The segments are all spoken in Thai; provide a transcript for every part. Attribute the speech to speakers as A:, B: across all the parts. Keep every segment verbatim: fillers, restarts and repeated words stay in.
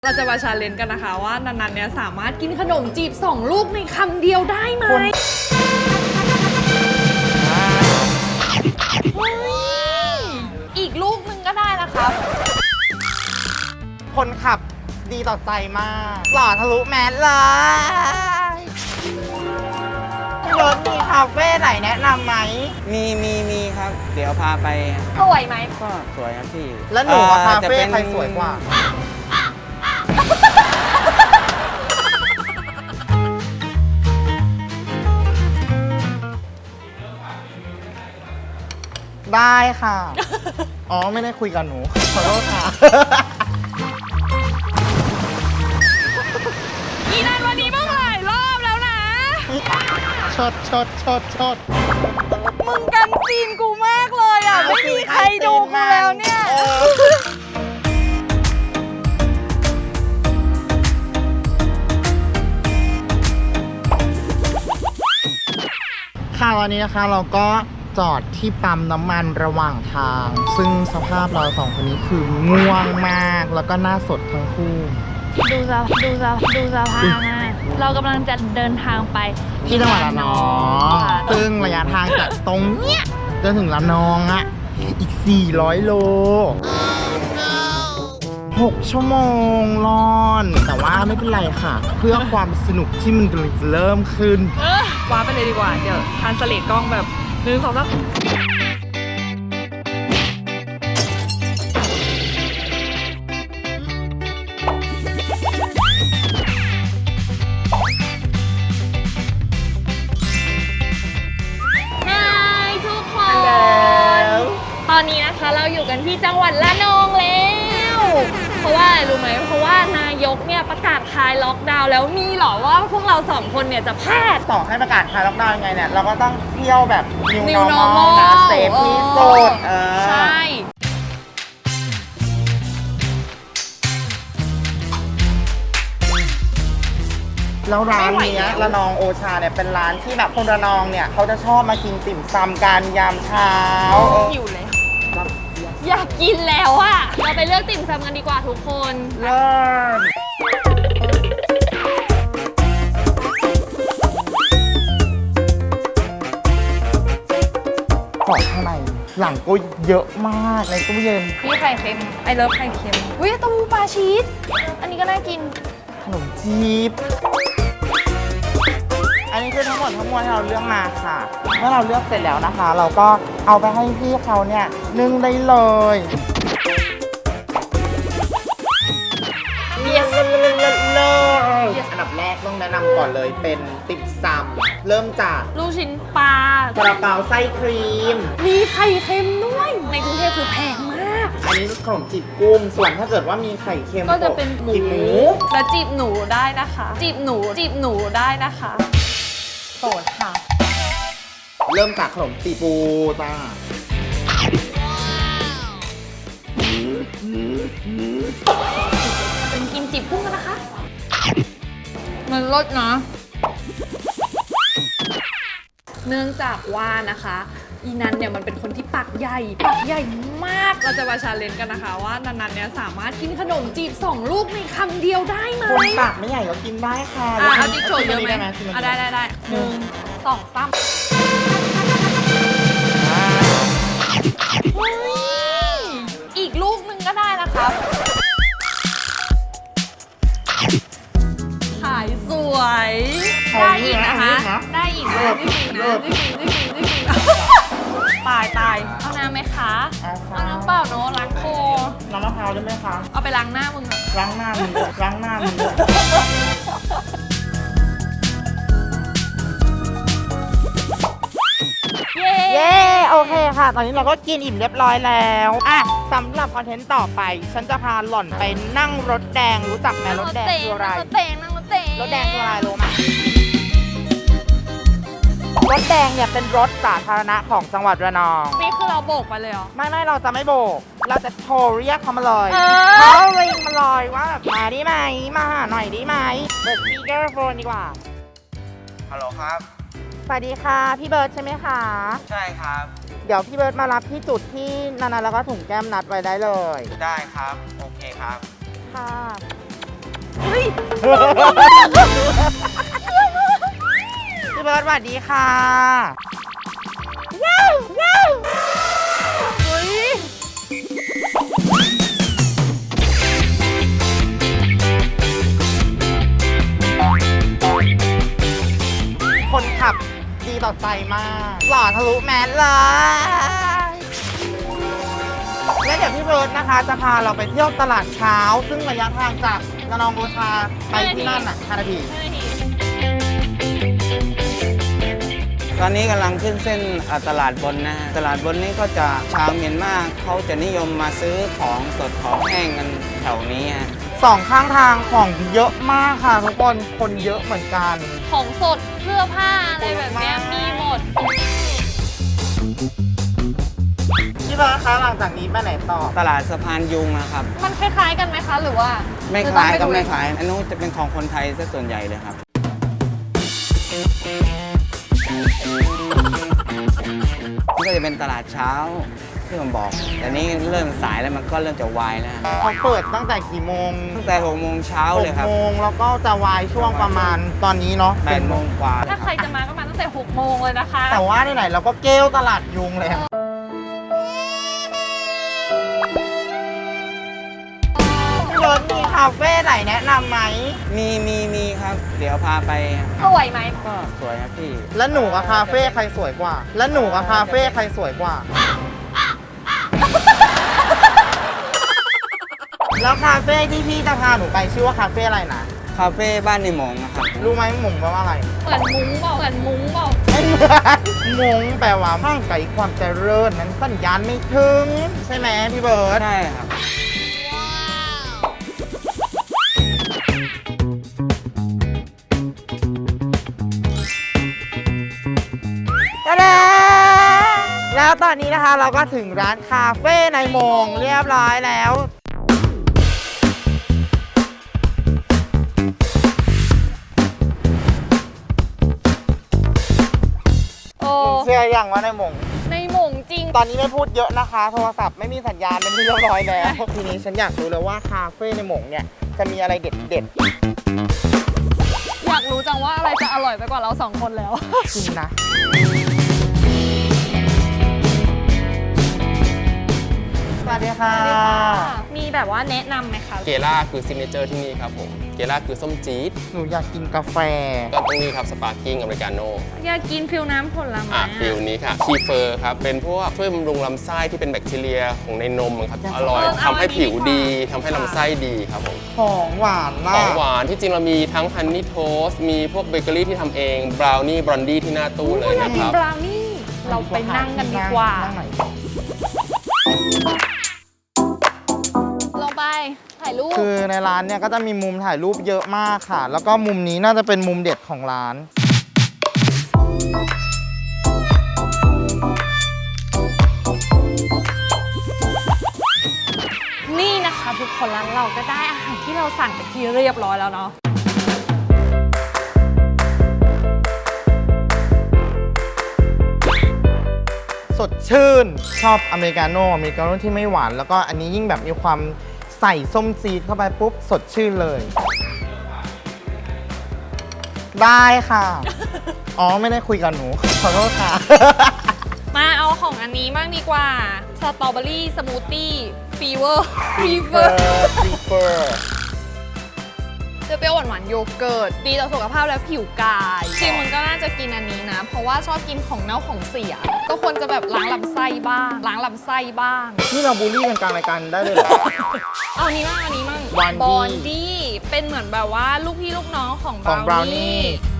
A: เราจะมาชาเลนจ์กันนะคะว่านันๆเนี่ยสามารถกินขนมจีบสองลูกในคำเดียวได้ไหมอีกลูกนึงก็ได้นะคะ
B: คนขับดีต่อใจมากหล่อทะลุแมสเลยรถมีคาเฟ่ไหนแนะนำไหม
C: มีมีมีครับ เดี๋ยวพาไป
A: สวยไหม
C: ก็สวยครับพี่
B: แล้วหนูว่าคาเฟ่ใครสวยกว่าได้ค่ะ อ๋อ ไม่ได้คุยกับหนู ขอโทษค่ะ
A: อีนันวันนี้มึงหลายรอบแล้วนะ
B: ชดชดชดชด
A: มึงกันซีนกูมากเลยอ่ะ ไม่มีใครดูกูแล้วเนี่ย
B: ค่ะวันนี้นะคะเราก็จอดที่ปั๊มน้ำมันระหว่างทาง ซึ่งสภาพเราสองคนนี้คือง่วงมากแล้วก็หน้าสดทั้งคู่
A: ดูสภดูสภดูสภาพนะเรากำลังจะเดินทางไป
B: ที่จังหวัดระนองซึ่งระยะทางจากตรงเนี้ยจนถึงระนองอ่ะอีกสี่ร้อยโลหกชั่วโมงรอนแต่ว่าไม่เป็นไรค่ะเพื่อความสนุกที่มันกำลังจะเริ่มขึ้น
A: ว้าไปเลยดีกว่าเดี๋ยวทานสเลดกล้องแบบหนึ่งสองสามทุกคนตอนนี้นะคะเราอยู่กันที่จังหวัดระนองแล้วเพราะว่าอะไรรู้ไหมเพราะว่านายกเนี่ยประกาศคลายล็อกดาวน์แล้วมีหรอว่าพวกเราสองคนเนี่ยจะพลาด
B: ต่อให้ประกาศคลายล็อกดาวน์ยังไงเนี่ยเราก็ต้องเที่ยวแบบ New Normal นะเซฟที่สุดเออ
A: ใช่
B: แล้วร้านนี้ระนองโอชาเนี่ยเป็นร้านที่แบบคนระนองเนี่ยเขาจะชอบมากินติ่มซำกันยามเช้า
A: หิวเลยอยากกินแล้วอะเราไปเลือกติ่มซำกันดีกว่าทุกคน
B: เริ่มของข้างในหลังก็เยอะมากในตู้เย็น
A: พี่ไข่เค็มไอเลิฟไข่เค็มอุ้ยเต้าหู้ปลาชีสอันนี้ก็น่ากิน
B: ขนมจีบอันนี้คือทั้งหมดทั้งมวลที่เราเลือกมาค่ะเมื่อเราเลือกเสร็จแล้วนะคะเราก็เอาไปให้พี่เขาเนี่ยนึ่งได้เลยเยสเลยอันดับแรกต้องแนะนำก่อนเลยเป็นติ่มซำเริ่มจาก
A: ลูกชิ้นปลาก
B: ระเป๋าไส้ครีม
A: มีไข่เค็มด้วยในกรุงเทพคือแพงมาก
B: อันนี้ขนมจีบกุ้งส่วนถ้าเกิดว่ามีไข่เค็ม
A: ก็จะเป็นหมู
B: หมู
A: และจีบหนูได้นะคะจีบหนูจีบหนูได้นะคะโสดค่ะ
B: เริ่มจากขนมจีบปูจ้า
A: เป็นกินจีบกุ้งกันนะคะมันรสนะเนื่องจากว่านะคะอีนันเนี่ยมันเป็นคนที่ปากใหญ่ปากใหญ่มากเราจะมาชาเลนจ์กันนะคะว่านันๆเนี่ยสามารถกินขนมจีบสองลูกในคำเดียวได้ไหม
B: คนปากไม่ใหญ่ก็กินได้ค่ะ
A: อ่ะเอาจิ๊กโฉดเยอะไหมอ่ะได้ได้ได้หนึ่งสองสามอีกลูกนึงก็ได้นะคะขายสวยได้อีกนะคะได้อีกเลยจริงๆนะจริงๆจริงๆจริงๆตายตายเอาน้ำไหมคะเอาน้ำเปล่าเนอะล้างคอ
B: น้ำมะพร้าวได้ไหมคะ
A: เอาไปล้างหน้ามึงอะ
B: ล้างหน้ามึงล้างหน้ามึงเย้โอเคค่ะตอนนี้เราก็กินอิ่มเรียบร้อยแล้วอ่ะสำหรับคอนเทนต์ต่อไปฉันจะพาหล่อนไปนั่งรถแดงรู้จักไหมรถแดงคืออะไร
A: รถแดงนั่งรถแดง
B: รถแดงคืออะไรรู้ไหมรถแดงเนี่ยเป็นรถสาธารณะของจังหวัดระนอง
A: นี่คือเราโบกไปเลยเหรอ
B: ไม่ไม่เราจะไม่โบกเราจะโทรเรียกเขามาเลยเขาเรียกมาเลยว่าแบบมาได้ไหมมาหน่อยได้ไหมเปิดสปีกเกอร์โฟนดีกว่า
C: ฮัลโหลครับ
B: สวัสดีค่ะพี่เบิร์ดใช่ไหมคะ
C: ใช่ครับ
B: เดี๋ยวพี่เบิร์ดมารับที่จุดที่นานาแล้วก็ถุงแก้มนัดไว้ได้เลย
C: ได้ครับโอเคครับ
B: ค่ะพี่เบิร์ดสวัสดีค่ะว้าวว้าวเฮ้ยคนขับดีต่อใจมากหล่อทะลุแมสเลยและเดี๋ยวพี่เบิร์ดนะคะจะพาเราไปเที่ยวตลาดเช้า ซึ่งระยะทางจากระนองโอชาไปที่นั่นอ่ะห้านาที
C: ตอนนี้กำลังขึ้นเส้นอ่าตลาดบนนะฮะตลาดบนนี้ก็จะชาวเมียนมาเขาจะนิยมมาซื้อของสดของแห้งกันแถวนี้ฮะ
B: สองข้างทางของเยอะมากค่ะทุกคน คนเยอะเหมือนกัน
A: ของสดเสื้อผ้าอะไรแบบเนี้ยมีหมด
B: พี่เบิร์ดคะหลังจากนี้ไปไหนต่อ
C: ตลาดสะพานยุงนะครับ
A: มันคล้ายๆกันไหมคะ หรือว่า
C: ไม่คล้ายก็ไม่คล้ายอันนู้นจะเป็นของคนไทยซะส่วนใหญ่เลยครับนี่ก็จะเป็นตลาดเช้าที่ผมบอก แต่นี้เริ่มสายแล้วมันก็เริ่มจะวายแล้ว
B: เขาเปิดตั้งแต่กี่โมง
C: ตั้งแต่หกโมงเช้า
B: ห
C: เลย
B: ก
C: ครับ
B: โมงแล้วก็จะวายช่วงประมาณตอนนี้เนาะ
C: แปดโมงกว่า
A: ถ้าใครจะมาก็มาตั้งแต่หกโมงเลยนะคะ
B: แต่ว่าไหนๆเราก็เกลตลาดยุงเลยอะพี่เบิร์ดมีคาเฟ่ไหนแนะนำไหม
C: มีมีมีครับ เดี๋ยวพาไป
A: สวยไหม
C: ก็สวยครับพี่
B: แล้วหนูกับคาเฟ่ใครสวยกว่า แล้วหนูกับคาเฟ่ใครสวยกว่า แล้วคาเฟ่ที่พี่จะพาหนูไปชื่อว่าคาเฟ่อะไรนะ
C: คาเฟ่บ้านในหมงอะครับ
B: รู้ไหมหมงแปลว่าอะไร
A: เหมือนมุ้งเปล่าเหมือนมุ้งเปล่า
B: ไม่เหมือนมงแปลว่าห่างไกลความเจริญนั้นสัญญาณไม่ถึง ใช่ไหมพี่เบิร์ด
C: ใช่ครับ
B: ตะดาแล้วตอนนี้นะคะเราก็ถึงร้านคาเฟ่ในมงเรียบร้อยแล้ว
A: โอ้
B: เชื่ออย่างว่าในมง
A: ในหมงจริง
B: ตอนนี้ไม่พูดเยอะนะคะ โทรศัพท์ไม่มีสัญญาณเป็นที่เรียบร้อยแล้ว ทีนี้ฉันอยากรู้เลยว่าคาเฟ่ในหมงเนี่ยจะมีอะไรเด็ดเด็ด
A: อยากรู้จังว่าอะไรจะอร่อยไปกว่าเราสองคนแล้ว
B: ๆจริงนะ สวัสดีค่ะ
A: มีแบบว่าแนะนำไหมคะ
D: เกล่าคือซิกเนเจอร์ที่นี่ครับผม เกล่าคือส้มจี๊ด
B: หนูอยากกินกาแฟ
D: ก็ต้องนี่ครับสปาร์กิ้งอเมริกาโน่
A: อยากกินฟิลน้ำผลไม้
D: อ่ะ
A: อะ
D: ฟิลนี้ค่ะคีเฟอร์ครับ เป็นพวกช่วยบำรุงลำไส้ที่เป็นแบคทีเรียของในนมครับ อร่อยทำให้ผิวดีทำให้ลำไส้ดีครับผม
B: ของหวาน
D: ข
B: มา
D: อง
B: ก
D: หวานที่จริงเรามีทั้งฮันนี่โทสต์มีพวกเบเกอรี่ที่ทำเอง บราวนี่ บรอนดี้ที่หน้าตู้เลย
A: อยาก
D: นะ
A: กิ
D: คน รับ
A: บราวนี่ เราไปนั่งกันดีกว่า
B: นั่งไหน
A: ลงไป ถ่ายรูป
B: คือในร้านเนี่ยก็จะมีมุมถ่ายรูปเยอะมากค่ะ แล้วก็มุมนี้น่าจะเป็นมุมเด็ดของร้าน
A: นี่นะคะทุกคนแล้วเราก็ได้อาหารที่เราสั่งไปที่เรียบร้อยแล้วเนาะ
B: สดชื่น ชอบอเมริกาโน่อเมริกาโน่ที่ไม่หวาน แล้วก็อันนี้ยิ่งแบบมีความใส่ส้มจีดเข้าไปปุ๊บ สดชื่นเลย ได้ค่ะ อ๋อ ไม่ได้คุยกับหนู ขอโทษค่ะ
A: มาเอาของอันนี้บ้างดีกว่า สตรอเบอรี่สมูทตี้ฟีเวอร์ฟีเวอร์
B: prefer
A: เปรี้ยวๆหวานๆโยเกิร์ต ดีต่อสุขภาพและผิวกายจริงมันก็น่าจะกินอันนี้นะ เพราะว่าชอบกินของเน่าของเสีย ก็ควรจะแบบล้างลำไส้บ้าง ล้างลำไส้บ้าง
B: นี่เราบูลลี่กันกลางรายการได้เลยเหรอ
A: เอาอันนี้มั่งอันนี้มั่ง
B: Bondi
A: บอนดี้เป็นเหมือนแบบว่าลูกพี่ลูกน้องของ
B: ของ
A: บราว
B: Brownie
A: นี่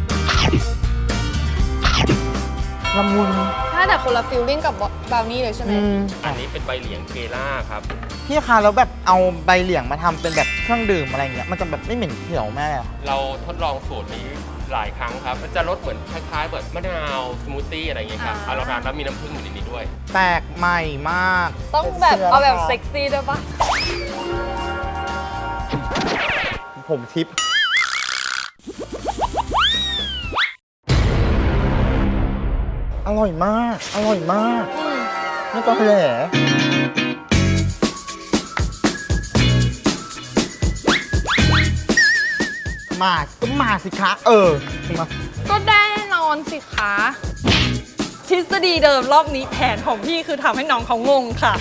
B: ละมุน
A: ถ้าแต่คนละฟิลลิ่งกับบราวนี่เลยใช่ไหม
B: อืม
D: อันนี้เป็นใบเหลียงเกล่าครับ
B: พี่คะแล้วแบบเอาใบเหลียงมาทำเป็นแบบเครื่องดื่มอะไรเงี้ย มันจะแบบไม่เหม็นเขียวแม่เลยเหรอ
D: เราทดลองสูตรนี้หลายครั้งครับ มันจะรสเหมือนคล้ายๆแบบมะนาวสมูทตี้อะไรอย่างเงี้ยครับเอาเราทานแล้วมีน้ำผึ้งอยู่ในนี้ด้วย
B: แปลกใหม่มาก
A: ต้องแบบเอาแบบเซ็กซี่ด้วยปะ
B: ผมทิป อร่อยมาก อร่อยมาก
A: อืม
B: ไม่ต้องแหล่มาก็มาสิคะ เออมา
A: ก็ได้นอนสิคะ ทฤษฎีเดิมรอบนี้แผนของพี่คือทำให้น้องเขางงค่ะ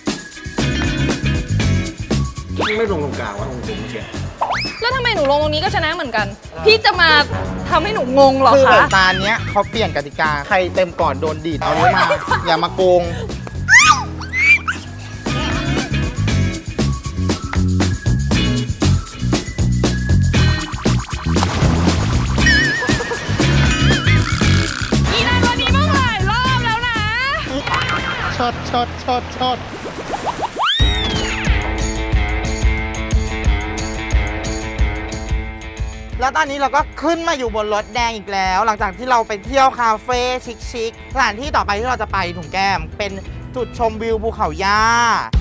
E: ไม่ลงตรงกลางว่าตรงจุดเมื่อกี้
A: แล้วทำไมหนูลงตรงนี้ก็ชนะเหมือนกัน พี่จะมาทำให้หนูงงเหรอ
B: คือ
A: คะ
B: ตาเนี้ยเขาเปลี่ยนกติกา ใครเต็มก่อนโดนดีดเอานี้มา อย่ามาโกง
A: อีนายวันนี้มาหลายรอบแล้วนะ
B: ชดชดชดชดแล้วตอนนี้เราก็ขึ้นมาอยู่บนรถแดงอีกแล้ว หลังจากที่เราไปเที่ยวคาเฟ่ชิคๆสถานที่ต่อไปที่เราจะไปถุงแก้ม เป็นจุดชมวิวภูเขาย่า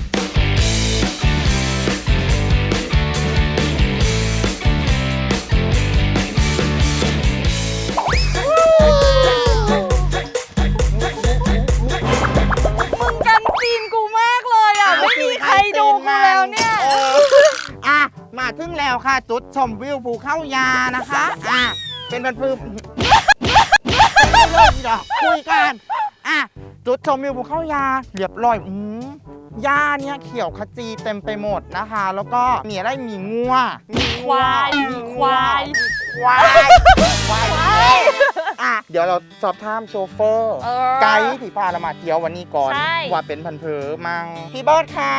A: มึงกันซีนกูมากเลยอ่ะ ไม่มีใครดูกูแล้วเนี่ย
B: อออ่ะ มาถึงแล้วค่ะ จุดชมวิวภูเขายานะคะ อ่ะ เป็นบรรพือเริ่มเดี๋ยวคุยกัน อ่ะ จุดชมวิวภูเขายาเรียบร้อยอืมหญ้าเนี่ยเขียวขจีเต็มไปหมดนะคะ แล้วก็มีอะไรมีงัวมี
A: ควายมีควาย
B: ควายควายอ่ะ เดี๋ยวเราสอบถามโชเฟอร์
A: เออ
B: ไกด์ที่พาเรามาเที่ยววันนี้ก่อน
A: ใช่
B: ว่าเป็นพันเพอมังพี่เบิร์ดคะ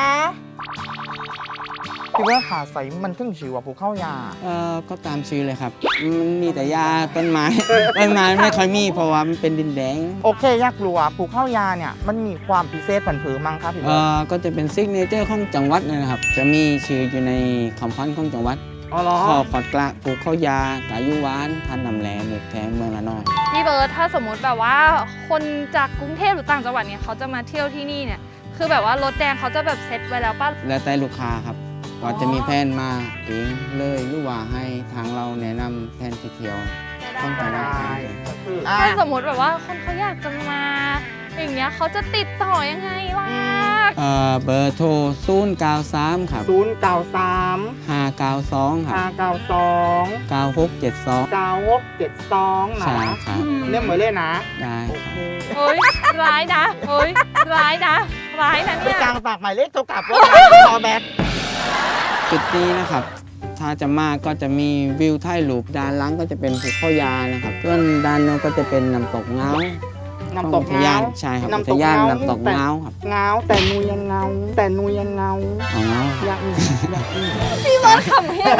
B: พี่เบิร์ดขาใสมันถึงชื่อว่าภูเข้ายา
C: เอ่อก็ตามชื่อเลยครับมันมีแต่หญ้าต้นไม้ ต้นไม้ไม่ค่อยมีเพราะว่ามันเป็นดินแดง
B: โอเคอยากรู้ว่าภูเข้ายาเนี่ยมันมีความพิเศษพันเพอมังครับพี่
C: เอ่
B: เบิร์ด
C: อก็จะเป็นซิกเนเจอร์ของจังหวัดนะครับ จะมีชื่ออยู่ในคำพันธ์ของจังหวัด
B: อ๋อเหรอ
C: ข้อขอดกระปลูกข้าวยากายุหวานพันธุ์นำแหลหมูแทงเมืองละนอง
A: พี่เบิร์ดถ้าสมมติแบบว่าคนจากกรุงเทพหรือต่างจังหวัดเนี่ยเขาจะมาเที่ยวที่นี่เนี่ย คือแบบว่ารถแดงเขาจะแบบเซ็ตไว้แล้วป่ะ
C: แล้วแต่ลูกค้าครับว่าจะมีแผนมาเองเลยหรือว่าให้ทางเราแนะนำแผนที่เที่ยวต้องการ
B: ได้
C: ได้
B: ก็คืออ่ะ
A: ถ้าสมมติแบบว่าคนเขาอยากจะมา อย่างเงี้ยเขาจะติดต่อยังไงล่ะ
C: เอ่อเบอร์โทรศูนย์ เก้า สาม ครับ
B: ศูนย์เก้าสาม
C: ห้า เก้า สอง ครั
B: ห้า
C: บ
B: เก้าสอง
C: เก้า หก เจ็ด สอง
B: เก้าหกเจ็ดสองนะ
C: ใช่ครับ
B: เรียกเหมือนเลยนะ
C: ได้ครับ
A: เฮ้ย ร้ายนะเฮ้ย ร้ายนะ ร้ายนะ
B: ไป
A: เนี่ย
B: กลางฝากหมายเลขโทรกลับว่าคอแบ็ค
C: จุดนี้นะครับ ถ้าจะมาก็จะมีวิวถ่ายรูปด้านหลังก็จะเป็นภูเขายานะครับส่วนด้านโน้นก็จะเป็นน้ำตกเงา
B: น้ำตก
C: อุทยา
B: เงาน
C: ใช่ครับ
B: น้ำ
C: อุ
B: ต
C: ท
B: ก
C: ยาน
B: เงา
C: น้ำตกเงาครับ
B: เงาแต่นูยังเงา แต่นูยังเงา
C: อ๋อเงา
B: อยากมีอยากมี
A: พี่เบิร์ดขำเฮ้ย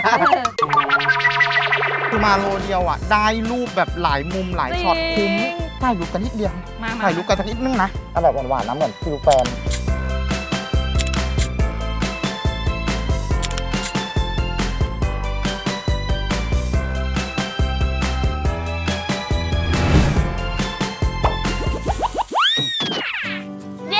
B: คือมาโลเดียวอ่ะ ได้รูปแบบหลายมุมหลายช็อตคุ้มถ่ายรูปกันนิดเดียว
A: มามา
B: ถ่ายรูปกันสักนิดนึงนะเอาแบบหวานๆนะเหมือนฟิลแฟน
A: เย้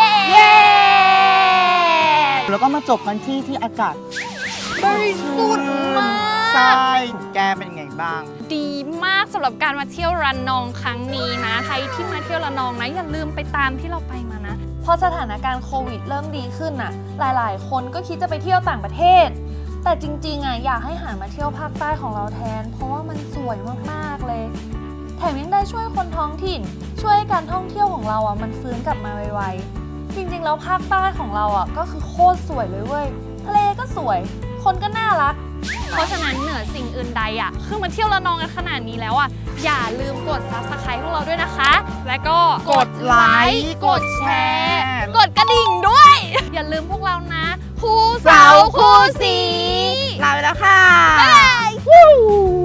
B: แล้วก็มาจบกันที่ที่อากาศ
A: บริสุทธิ์มาก
B: ใช่แกเป็นไงบ้าง
A: ดีมากสำหรับการมาเที่ยวระนองครั้งนี้นะใครที่มาเที่ยวระนองนะอย่าลืมไปตามที่เราไปมานะพอสถานการณ์โควิดเริ่มดีขึ้นน่ะ หลายๆ คนก็คิดจะไปเที่ยวต่างประเทศ แต่จริงๆอ่ะอยากให้หันมาเที่ยวภาคใต้ของเราแทน เพราะว่ามันสวยมากๆเลย แถมยังได้ช่วยคนท้องถิ่น ช่วยให้การท่องเที่ยวของเราอ่ะมันฟื้นกลับมาไวๆจริงๆแล้วภาคใต้ของเราอ่ะก็คือโคตรสวยเลยเว้ยทะเลก็สวย คนก็น่ารัก เพราะฉะนั้นเหนือสิ่งอื่นใดอ่ะคือมาเที่ยวระนองกันขนาดนี้แล้วอ่ะอย่าลืมกด ซับสไครบ์ พวกเราด้วยนะคะ และก็
B: กดไลค์กดแชร์
A: กดกระดิ่งด้วย อย่าลืมพวกเรานะคู่เสาคู่สี
B: ลาไปแล้วค่ะ
A: บ๊ายบาย